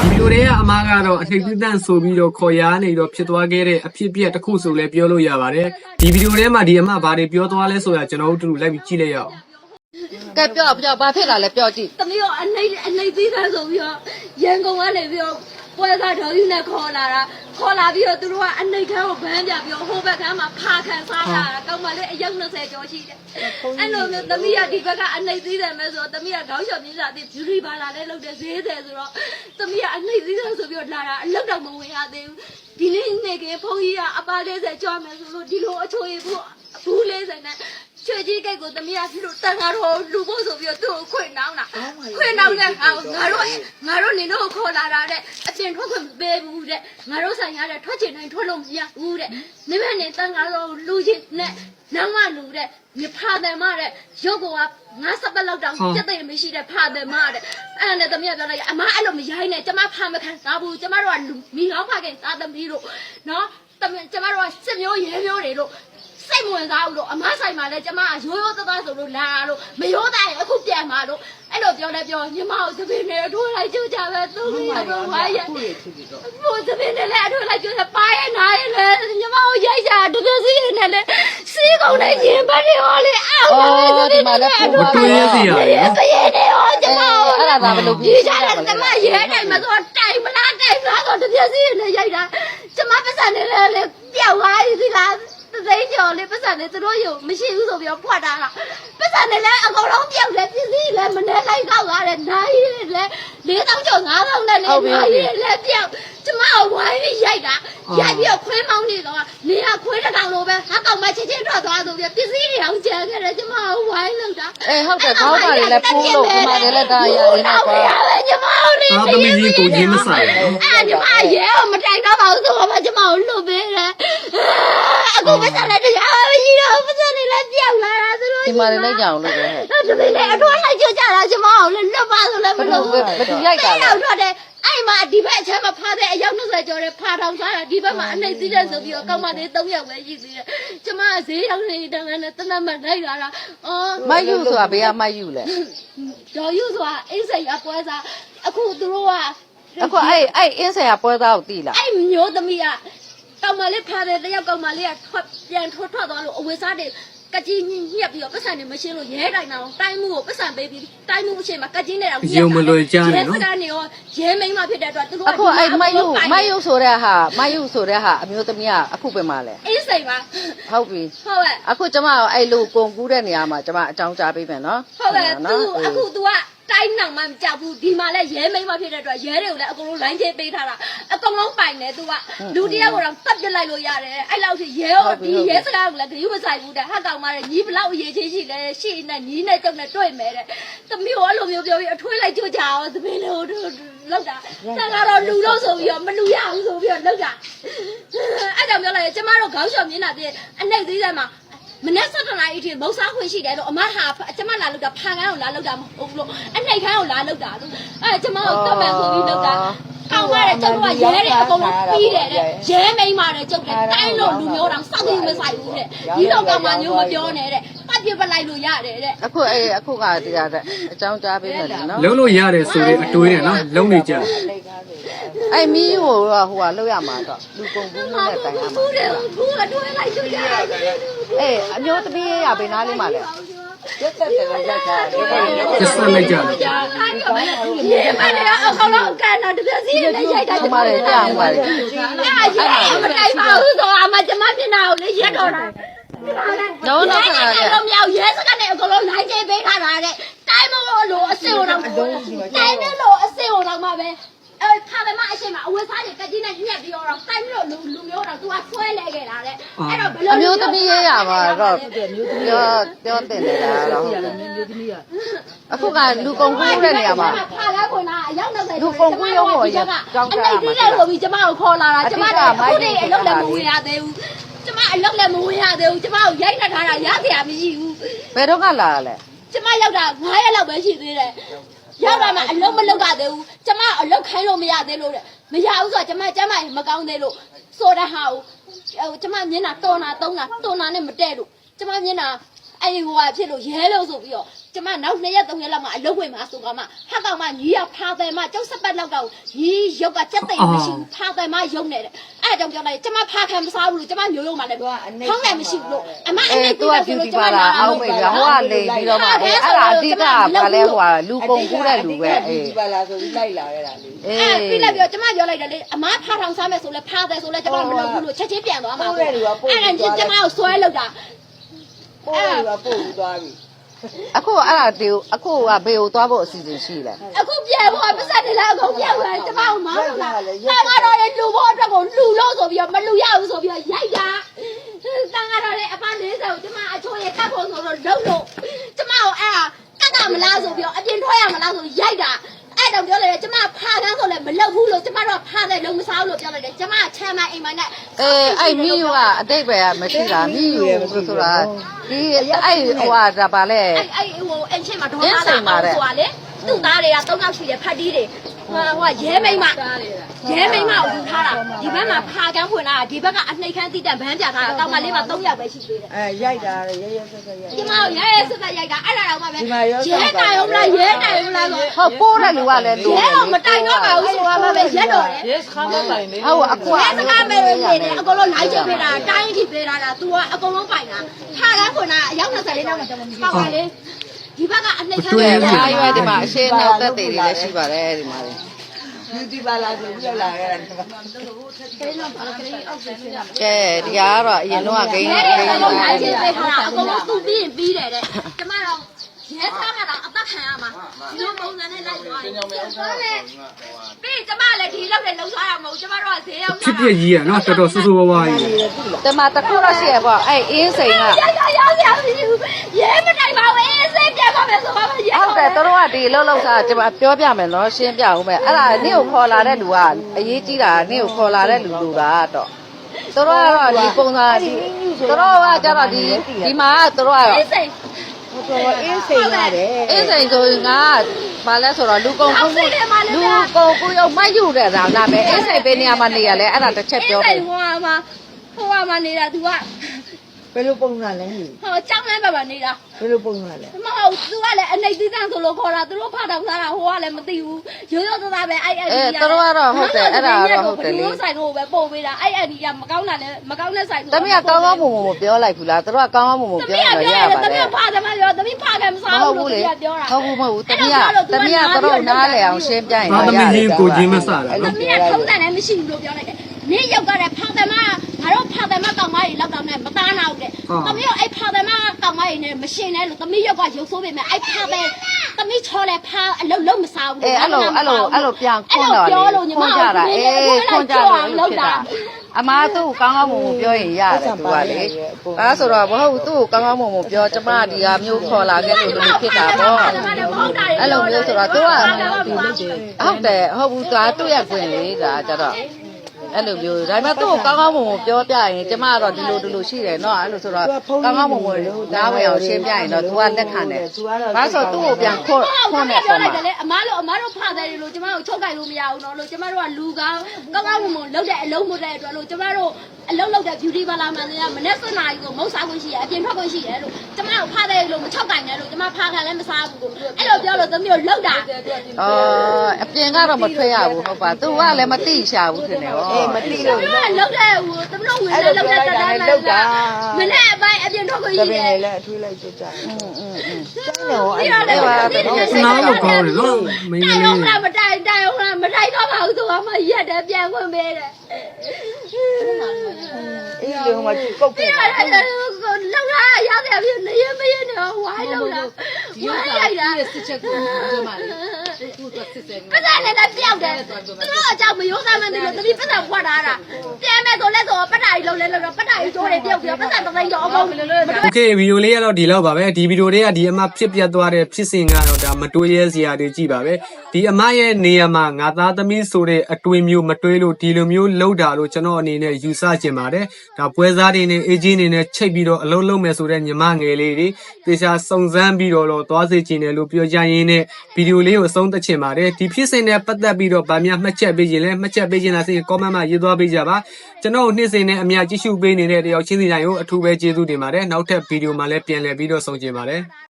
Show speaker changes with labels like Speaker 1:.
Speaker 1: ဒီလိုတွေကအမားကတော့အထိတ်တန့်ဆိုပြီးတော့ခေါ်ရနေတော့ဖြစ်သွားခဲ့တဲ့အဖြစ်အပျက်တစ်ခုဆိုလဲပြောလို့ရပါတယ်ဒီဗီဒီယိုထဲမှာဒီအမဘာတွေပြောသွားလဲဆိုတာကျွန်တော်တို့တူလိုက်ပြီးကြည့်လိုက်ရအောင်
Speaker 2: ကဲပြောဘာဖြစ်လာလဲပြောကြည့်
Speaker 3: သမီးကအနှိမ့်သေးတာဆိုပြီးတော့ရန်ကုန်ကနေပြီးတော့ပွဲစားတော်ကြီးနဲ့ခေါ်လာပြီးတော့သူတို့ကအနှိမ့်ခန်းကိုဗန်းပြပြီးတော့ဟိုဘက်ကမ်းမှာဖာခံစားလာတာကောင်းပါလေအယောက်20ကျော်ရှိတယ်အဲ့လိုမျိုးသမီးကဒီဘက်ကအနှိမ့်သေးတယ်မဲ့ဆိုတော့သမီးကခေါင်းလျှော်မြင်းစာတဲ့ beauty parlor လေးလုပ်တဲ့ဈေးတယ်ဆိုတော့သမီးကအနှိမ့်သေးတယ်ဆိုပြီးတော့လာတာအလောက်တော့မဝင်ရသေးဘူးဒီနေ့နေကဘုန်းကြီးကအပါ40ကျော်မယ်ဆိုလို့ဒီလိုအချိုရဘူး40နဲ့ချွေကြီးကိတ်ကိုသမီးကဒီလိုတန်ခါတော့လူဖို့ဆိုပြီးတော့သူ့ကိုခွေနှောင်းတာခွေနှောင်းတဲ့ဟာကိုငါတို့နေတော့ခေါ်လာတာတဲ့အပြင်ထွက်ခွင့်မပေးဘူးတဲ့ငါတို့ဆိုင်ရတဲ့ထွက်ချင်တိုင်းထွက်လို့မရဘူးတဲ့နိမနဲ့တန်ခါတော့လူချင်းနဲ့နောက်မှလူတဲ့မြဖာတယ်မတဲ့ရုပ်က50ပတ်လောက်တောင်စက်သိမ်းမရှိတဲ့ဖာတယ်မတဲ့အဲ့နဲ့သမီးကပြောလိုက်အမအဲ့လိုမရိုင်းနဲ့ကျမဖာမခံစားဘူးကျမတို့ကမိကောင်းဖခင်စားသမီးတို့နော်ကျမတို့ကစစ်မျိုးရဲမျိုးတွေတို့စိတ်ဝင်စားဘူးလို့အမဆိုင်မှာလဲကျမကရိုးရိုးသားသားဆိုလို့လာလို့မရိုးသားရင်အခုပြန်มาလို့အဲ့လိုပြောလဲပြောညီမကိုသမီးနဲ့အထိုးလိုက်ကြကြပဲသူ့ရဲ့တော့ဝါရဟိုသမီးနဲ့လည်းအထိုးလိုက်ကြကြပါရဲ့နားရဲ့လဲညီမကိုရိုက်ကြတကယ်စီးနေလဲစီးကုန်နေရင်ဘာတွေဟောလဲအော်
Speaker 2: ဒီမှာလည်းဖူး
Speaker 1: တွေ့ရစီရတယ်နော်
Speaker 3: စီးနေဟောကျမ
Speaker 2: အဲ့ဒါသာဘယ်လို
Speaker 3: ပြေးကြတယ်ကျမရဲတိုင်းမှာဆိုတိုင်မလားတိုင်မလားဆိုတကယ်စီးနေရိုက်တာကျမပတ်စံနေလဲပြောက်သွားပြီဒီလားသိကျော်လေးပတ်စံလေးသူတို့ရုံမရှိဘူးဆိုပြီးတော့ဖွက်တာလားပတ်စံလေးလည်းအကုန်လုံးပြောက်တယ်ပစ္စည်းလည်းမနေလိုက်တော့ရတယ်နိုင်လည်း4000ကျော်5000နဲ့လည်းနိုင်လည်းပြောက်ကျမကဝိုင်းပြီးရိုက်တာရိုက်ပြီးတော့ခွေးမောင်းနေတော့နေရခွေးတစ်ကောင်လိုပဲဟာကောင်မချင်းချင်းထွက်သွားဆိုပြီးပစ္စည်းတွေအောင်ကျန်ခဲ့တယ်ကျမကဝိုင်းလောက်တာ
Speaker 2: ဟုတ်တယ်ခေါင်းပါလေလည်းပိုးလို့ဒီမှာလည်းတာရရနေကွာ
Speaker 3: ကျမကိုလေ
Speaker 1: သမီးကြီးကိုချင်းမဆိုင်ဘူး
Speaker 3: အဲ့ကျမရဲမတိုင်တော့ပါဘူးဆိုတော့ကျမကိုလွတ်ပေးတယ်အခုပတ်စံလေးတရားမရှိတော့ပတ်စံလေးလည်းပြောက်လာတာသူတို့
Speaker 2: ဒီမှာလည်းကြောင်လို့ပဲ
Speaker 3: တပင်းနဲ့အထွားလိုက်ကြကြတာကျမကိုလည်းလွတ်ပါဆိုလည်းမလို့
Speaker 2: ဘယ်သူရိုက်တာလဲ
Speaker 3: ထွက်တယ်အဲ့မှာဒီဘက်အချမ်းမှာဖားတဲ့အယောက်20ကျော်တဲ့ဖားထောင်စားတာဒီဘက်မှာအနှိမ့်သီးတဲ့ဆိုပြီးတော့ကောင်းမလေး3ယောက်ပဲရှိသေးတယ်ကျမကဈေးရောက်နေတယ်နဲ့တနတ်မှလိုက်လာတာ
Speaker 2: မယူဆိုတာဘေးကမယူလဲ
Speaker 3: ဒေါ်ယူဆိုတာအိစိတ်အပွဲစားအခုသူတို့က
Speaker 2: အခုအဲ့အင်းဆရာပွဲသားကိုတီးလား
Speaker 3: အဲ့မျိုးသမီးကကောင်မလေးဖားတယ်တယောက်ကောင်မလေးကပြန်ထွက်သွားလို့အဝေစားတွေကကြီးညက်ပြီးတော့ပတ်စံနေမရှင်းလို့ရဲတိုင်တာတိုင်းမှုကိုပတ်စံပေးပြီးတိုင်းမှုအချိန်မှာကကြီးနေတာ
Speaker 1: ရုံမလွယ်ကြနဲ့နော်
Speaker 3: ရဲစကနေရောရဲမိန်းမဖြစ်တဲ့အတွက်သူတို့
Speaker 2: အခုအဲ့မယူဆိုတဲ့ဟာအမျိုးသမီးကအခုပဲမှလဲ
Speaker 3: အေးစိတ်ပါ
Speaker 2: ဟုတ်ပြီ
Speaker 3: ဟုတ်ကဲ့
Speaker 2: အခုကျမအဲ့လိုကုန်ကူးတဲ့နေရာမှာကျမအကြောင်းကြားပေးမယ်နော်
Speaker 3: ဟုတ်ကဲ့အခု तू ကတိုင်းနောင်မှမကြောက်ဘူးဒီမှာလဲရဲမိန်းမဖြစ်တဲ့အတွက်ရဲတွေကိုလည်းအကုန်လုံးလိုင်းချေးပေးထားတာအကုန်လုံးပိုင်တယ် तू ကလူတယောက်ကတော့တပ်ပြလိုက်လို့ရတယ်အဲ့လောက်ထိရဲကိုဒီရဲစကားကလည်းဂရုမစိုက်ဘူးတဲ့ဟာကောင်မတဲ့ညီဘလောက်အရေးချင်းရှိလဲရှိနေညီနဲ့ကြောက်နဲ့တွေ့မယ်တဲ့သမီးကိုအဲ့လိုမျိုးပြောပြီးအထွေးလိုက်ကြွကြအောင်သမီးလေးတို့လောက်တာတန်ကတော့လူလို့ဆိုပြီးတော့မလူရဘူးဆိုပြီးတော့လောက်တာအဲ့ကြောင့်ပြောလိုက်ကျမတို့ခေါင်းလျှော်မြင်းတာတဲ့အနှိမ့်သေးတယ်မှာမနေ့7 နာရီအထိမုတ်စားခွင့်ရှိတယ်လို့အမဟာကျမလာလောက်တာဖာကန်းကိုလာလောက်တာမဟုတ်ဘူးလို့အနှိတ်ခန်းကိုလာလောက်တာလို့အဲကျမကိုတတ်မှန်ဆိုပြီးလောက်တာကောင်းပါတယ်ကျမကရဲတယ်အကုန်လုံးပြီးတယ်တဲ့ရဲမိန်းမတယ်ကျုပ်တယ်တိုင်းလို့လူမျိုးတောင်စောက်ပြီးမဆိုင်ဘူးတဲ့ဒီတော့ကမှမျိုးမပြောနဲ့တဲ့ပတ်ပြပလိုက်လို့ရတယ်တဲ့
Speaker 2: အခုကတရားတဲ့အကြောင်းကြားပေးမယ်နော်
Speaker 1: လုံးလို့ရတယ်ဆိုတဲ့အတွေးနဲ့နော်လုံးနေကြ
Speaker 2: အဲ့မီးဟိုကလောက်ရမှာတော့လူကုန်ကူးနဲ့တိုင်ရမှာ
Speaker 3: ဘူးတယ်ဘူးကတွဲလိုက်ကြရတယ်
Speaker 2: အမျိုးသမီးရဘေးနားလေးမှာလဲရက်သက်တယ်ရက်ချာ
Speaker 1: ကျစလိုက်ကြတယ်
Speaker 3: ဒီမနေ့အကောင်လုံးကန်တော့တပြည့်စီးနဲ့ရိုက်တာ
Speaker 2: ကျမလည်းကြားအောင်ပါလေ
Speaker 3: အဲ့မတိုင်ပါဘူးဆိုအမကျမမျက်နှာကိုလေရက်တော့တာ
Speaker 2: တော့
Speaker 3: တော့တော့မြောက်ရဲစကနေအကောင်လုံးလိုက်ချေပေးထားတာတဲ့တိုင်းမလို့အစစ်ဟိုတော့တိုင်းမလို့အစစ်ဟိုတော့မှပဲဖားတယ်မအရှိမအဝတ်စားတွေကကြီးနဲ့ညက်ပြီးတော့တိုင်းမျိုးလူမျိုးတော့ तू ကဆွဲလဲခဲ့တာတဲ့အဲ့တော့ဘယ်လို
Speaker 2: အမျိုးသမီးရေးရပါတော့ပြောတင်နေတာတော့ဟုတ်တယ်မျိုးသမီးကအခုကလူကုန်ကူးတဲ့နေရာမှာ
Speaker 3: ဖားလဲခွန်လားအရောက်90
Speaker 2: လူကုန်ကူးရုံးပေါ်ကြောင်းကြတာ
Speaker 3: မှာအဲ့ဒီလိုပြီးကျမကိုခေါ်လာတာကျမတို့အခုတည်းအလုပ်လည်းမဝင်ရသေးဘူးကျမအလုပ်လည်းမဝင်ရသေးဘူးကျမကိုရိုက်နှက်ထားတာရစရာမရှိဘူး
Speaker 2: ဘယ်တော့ကလာလဲ
Speaker 3: ကျမရောက်တာ9ရက်လောက်ပဲရှိသေးတယ်ရောက်လာမှအလုံးမလုံးရသေးဘူးကျမအလုံးခိုင်းလို့မရသေးလို့တဲ့မရဘူးဆိုတော့ကျမကျမမကောင်းသေးလို့ဆိုတဲ့ဟာကိုကျမမျက်နှာတော်နာနဲ့မတည့်လို့ကျမမျက်နှာအဲ့ဒီဟိုကဖြစ်လို့ရဲလို့ဆိုပြီးတော့ကျမနောက်2ရက်3ရက်လောက်မှအလုပ်ဝင်မှာဆိုကမှဟာကောင်မညီရဖာတယ်မကျောက်စပတ်လောက်တော့ညီရုပ်ကကြက်သိမ်မရှိဘူးဖာတယ်မရုပ်နေတယ်အဲ့ဒါကြောင့်ပြောလိုက်ကျမဖာခံမစားဘူးလို့ကျမမျိုးရုံမှလည်းထောင်းတယ်မရှိဘူးလို့အမအနေ
Speaker 2: သူကပြူတီပါလားအောက်မိတ်ကဟိုကလေပြီးတော့မှအဲ့ဒါအဓိကဘာလဲဟိုကလူကုန်ကူးတဲ့လူပဲအေးဒီပါလားဆိုပြီးလိုက်လာခဲ့တာလေအေး
Speaker 3: ပြီးလိုက်ပြောကျမပြောလိုက်တယ်လေအမဖာထောင်စားမယ်ဆိုလဲဖာတယ်ဆိုလဲကျမမလုပ်ဘူးလို့ချက်ချင်းပြန်သွားမှာအဲ့ဒါကျမကိုဆွဲလောက်တာ
Speaker 4: ပို့ရပို့ပြီးသွားပြီ
Speaker 2: အခုအဲ့ဒါတေအခုကဘေကိုသွားဖို့အစီအစဉ်ရှိလဲ
Speaker 3: အခုပြန်ဖို့ပတ်စံနေလားအကုန်ပြန်သွားကျမကိုမောင်းလို့လားတန်ကတော့လေလူဖို့အတွက်ကိုလူလို့ဆိုပြီးတော့မလူရဘူးဆိုပြီးတော့ရိုက်တာတန်ကတော့လေအပ40ကိုကျမအချိုးရကတ်ဖို့ဆိုတော့လုံလို့ကျမကိုအဲ့ဒါကတ်မလားဆိုပြီးတော့အပြင်ထွက်ရမလားဆိုရိုက်တာအဲ့တော့ပြောလိုက်တယ်ကျမဖာကန်းဆိုလည်းမလုပ်ဘူးလို့ကျမတို့ဖာတဲ့လုံးမစားဘူးလို့ပြောလိုက်တယ်ကျမချမ်းမအိမ်မနဲ့
Speaker 2: အဲ့မိယူကအတိတ်ပဲမရှိတာမိယူဆိုတာဒီအဲ့ဟိုဟာဒါပါလေ
Speaker 3: အဲ့ဟိုအင်ချင်းမှာဒေါ်လာဆိုတာလေသူ့သားတွေက3ယောက်ရှိတယ်ဖတ်တီးတွေဟိုရဲမိမရဲမိမကိုယူထားတာဒီဘက်မှာဖာကန်းဖွင့်လာဒီဘက်ကအနှိတ်ခမ်းတိတက်ဗန်းပြထားတာတောင်မလေးမှာ3ယောက်ပဲရှိသေးတယ်
Speaker 4: ရိုက်တာရဲဆက်ဆက်ရိုက်
Speaker 3: ဒီမှာရဲဆက်ဆက်ရိုက်တာအဲ့ဒါတော့မှပဲရဲတိုင်အောင်လားရဲတိုင်အောင်လားဆို
Speaker 2: ဟုတ်ပိုးတဲ့လူကလည်းလူ
Speaker 3: ရဲတော့မတိုင်တော့ပါဘူးဆိုတာမှပဲရက်တော့တယ်
Speaker 4: ရဲစခါမတိုင်လေ
Speaker 2: ဟုတ်အကွာ
Speaker 3: ရဲစခါမဲနေတယ်အကုန်လုံးလိုက်ချိန်ပေးတာတိုင်းထိပေးတာလား तू ကအကုန်လုံးပိုင်တာဖာကန်းဖွင့်တာအယောက်24လောက်တော့ပေါ့ပါလေဒီဘက်ကအနှိတ်ခမ်း
Speaker 2: တယ်အားရွယ်ဒီမှာအရှင်းနောက်သက်တွေလည်းရှိပါတယ်ဒီမှာလေ
Speaker 4: ပြူတီပါလားဆိုပြီးလာခဲ့တာ
Speaker 2: ကဲဒီကတော့အရင်တော့ဂိမ်း
Speaker 3: အကုန်လုံးလိုက်ချင်းပေးထားတာအကုန်လုံးသူ့ပြီးရင်ပြီးတယ်တဲ့ကျမတော့ရဲသားမှာတော့အသက်ခံရမှာဒီလိုပုံစံနဲ့လိုက်သွားတယ်ပြီးကျမလည်းဒီလောက်နဲ့လှုပ်ရှားရမဟုတ်ကျမတို့ကဈေးရောက်
Speaker 1: ဖြစ်ပြကြီးอ่ะเนาะတော်တော်ဆူဆူဝါးဝါးကြီး
Speaker 2: ဒီမှာတခုတော့ရှိရပေါ့အဲ့အင်းစိန်က
Speaker 3: ရဲမတိုင်ပါဘူးအေးစိတ်ပြန်ပါမယ်ဆိုပါမယ်
Speaker 2: ဟုတ်တယ်တို့ကဒီလှုပ်စားကျွန်မပြောပြမယ်နော်ရှင်းပြဦးမယ်အဲ့ဒါနေ့ကိုခေါ်လာတဲ့လူကအရေးကြီးတာနေ့ကိုခေါ်လာတဲ့လူကတော့တို့ကတော့ဒီပုံစံဒီတို့ကကြတော့ဒီမှာတို့ကတော့
Speaker 3: အေးစိတ်
Speaker 4: အင်းစိန်ရတယ်
Speaker 2: အင်းစိန်ဆိုရင်ကဘာလဲဆိုတော့လူကုန်ကူရုံမိုက်ယူတဲ့ဒါနာမယ်အင်းစိန်ပေးနေရမှနေရလဲအဲ့ဒါတစ်ချက်ပြော
Speaker 3: တယ်ဟိုမှာနေတာ तू က
Speaker 4: ဘယ်လိုပုံစံလဲ
Speaker 3: ဟောကြောင်းလမ်းပါနေတာ
Speaker 4: ဘယ်လိုပုံစံလဲ
Speaker 3: မဟုတ် तू ကလည်းအနှိတ်သီးသန့်ဆိုလို့ခေါ်တာသူတို့ဖတ်တော့စားတာဟိုကလည်းမသိဘူးရိုးရိုးသားသားပဲအဲ့
Speaker 2: တို့ကတော့ဟုတ်တယ်အဲ့ဒါတော့ဟုတ်တယ်လေ
Speaker 3: ဆိုင်တို့ပဲပို့ပေးတာအဲ့ဒီကမကောင်းတာလည်းမကောင်းတဲ့ဆိုင်
Speaker 2: တမီးကကောင်းကောင်းမွန်မွန်မပြောလိုက်ဘူးလားတို့ကကောင်းကောင်းမွန်မွန်ပြောရရပါတယ်
Speaker 3: တမီးဖာတယ်မပြောတမီးဖာတယ်မစားဘူးလို့ပြောတာ
Speaker 2: ဟုတ်ဘူးမဟုတ်ဘူးတမီးကတော့နားလေအောင်ရှင်းပြရင်
Speaker 1: တော့ရတယ်တမီးကိုချင်းမဆတာ
Speaker 3: နော်တမီးကထုံးတယ်လည်းမရှိဘူးလို့ပြောလိုက်တယ်နင်းရောက်ကြတဲ့ဖာတယ်မငါတို့ဖာတယ်မကောင်မကြီးလောက်တော့နဲ့မသားနာဘူးတဲ့တမီးကအဲ့ဖာတယ်မကောင်မကြီးနဲ့မရှင်နဲ့လို့တမီးရောက်ကရုပ်ဆိုးပေမဲ့အဲ့ဖာတယ်တမီးချောလဲဖာအလုံးမစားဘူး
Speaker 2: အဲ့လိုပြန်ခွန်းတော့လေခွန်းကြတာခွန်းကြလို့ဖြစ်တာအမားသူ့ကောင်းကောင်းမွန်မွန်ပြောရင်ရတယ်သူကလေဒါဆိုတော့မဟုတ်သူ့ကိုကောင်းကောင်းမွန်မွန်ပြောကျမဒီဟာမျိုးခေါ်လာခဲ့လို့ဖြစ်တာပေါ့အဲ့လိုမျိုးဆိုတော့သူကဟုတ်တယ်ဟုတ်ဘူးသူကသူ့ရဲ့ခွင့်လေဒါကြတော့အဲ့လိုမျိုးဒါပေမဲ့သူ့ကိုကောင်းကောင်းမွန်မွန်ပြောပြရင်ကျမကတော့ဒီလိုရှိတယ်เนาะအဲ့လိုဆိုတော့ကောင်းကောင်းမွန်မွန်နားဝင်အောင်ရှင်းပြရင်တော့သူကလက်ခံတယ်ဒါဆိုသူ့ကိုပြန်ခွန်းနဲ့
Speaker 3: ပြောလိုက်တယ်လေအမားတို့ဖာတယ်လို့ကျမတို့ချုပ်ကြိုက်လို့မရဘူးเนาะလို့ကျမတို့ကလူကောင်းကောင်းမွန်မွန်လုပ်တဲ့အလုံးမတဲ့အတွက်လို့ကျမတို့အလုံးလုပ်တဲ့ beauty parlor မှာလည်းမနေ့စနေကိုမုတ်စားခွင့်ရှိရအပြင်ထွက်ခွင့်ရှိတယ်လို့ကျမတို့ဖာတယ်လို့မချုပ်ကြိုက်နဲ့လို့ကျမဖာခံလည်းမစားဘူးအဲ့လိုပြောလို့သမီးတို့လောက်တာ
Speaker 2: အပြင်ကတော့မထွက်ရဘူးဟုတ်ပါသူကလည်းမတိရှာဘူးထင်တယ်ဟော
Speaker 3: မတိလို့လောက်တဲ့ဟိုသမီးတို့ဝင်လည်းလောက်တဲ့တန်းလောက်တာမနေ့အပိုင်းအပြင်ထွက်ခွင့်ရှိတယ်
Speaker 4: လည်းအထွေးလိုက်ကြကြ
Speaker 3: ကျောင်းတော့အဲ့
Speaker 1: ဒါနားလို့ကောင်းတယ်နော်
Speaker 3: မင်းလေးတိုင်အောင်မတိုင်တော့ပါဘူးသူကမှရက်တယ်ပြန်ခွင့်ပေးတယ်
Speaker 4: အေးလေဟိုမှာကုတ်
Speaker 3: ပြန်လောက်လာရတယ်ပြနေရမရနေဝိုင်းလောက်လာဝိုင်းလိုက်တာ
Speaker 2: စစ်ချက်ကိုပြောမှလေသူကစစ်တယ်
Speaker 3: ပစာနဲ့လည်းပြောက်တယ်သူတို့အကြောင်းမရိုးသားမှန်းတယ်လို့တတိပစာဖွက်ထားတာပြန်မဲ့ဆိုလဲဆိုပတ်တာကြီးလုံးလဲလို့ပတ်တာကြီးကျိုးတွေပြုတ်ပြီးပစာတစ်သိန်းတော့အကုန်
Speaker 1: โอเคဗီဒီယိုလေးကတော့ဒီလောက်ပါပဲဒီဗီဒီယိုလေးကဒီအမဖြစ်ပြသွားတဲ့ဖြစ်စဉ်ကတော့ဒါမတွေးရဲစရာတွေကြည့်ပါပဲဒီအမရဲ့နေရာမှာငါသားသမီးဆိုတဲ့အတွေးမျိုးမတွေးလို့ဒီလိုမျိုးလှုပ်တာလို့ကျွန်တော်အနေနဲ့ယူဆချင်ပါတယ်ဒါပွဲစားတွေနဲ့အေဂျင့်တွေနဲ့ချိတ်ပြီးတော့အလုံးလုံးမယ်ဆိုတဲ့ညီမငယ်လေးတွေတေချာစုံစမ်းပြီးတော့သွားစေချင်တယ်လို့ပြောကြရင်းနဲ့ဗီဒီယိုလေးကိုအဆုံးသတ်ချင်ပါတယ်ဒီဖြစ်စဉ်နဲ့ပတ်သက်ပြီးတော့ဗာများမှတ်ချက်ပေးခြင်းလဲမှတ်ချက်ပေးခြင်းလားဆိုရင် comment မှာရေးသွားပေးကြပါကျွန်တော်နေ့စဉ်နဲ့အများကြည့်ရှုပေးနေတဲ့တယောက်ချင်းစီတိုင်းကိုအထူးပဲကျေးဇူးတင်ပါတယ်နောက်ထပ်ဗီဒီယိုမှာလည်းပြန်လည်ပြီးတော့ဆုံကျင်ပါတယ်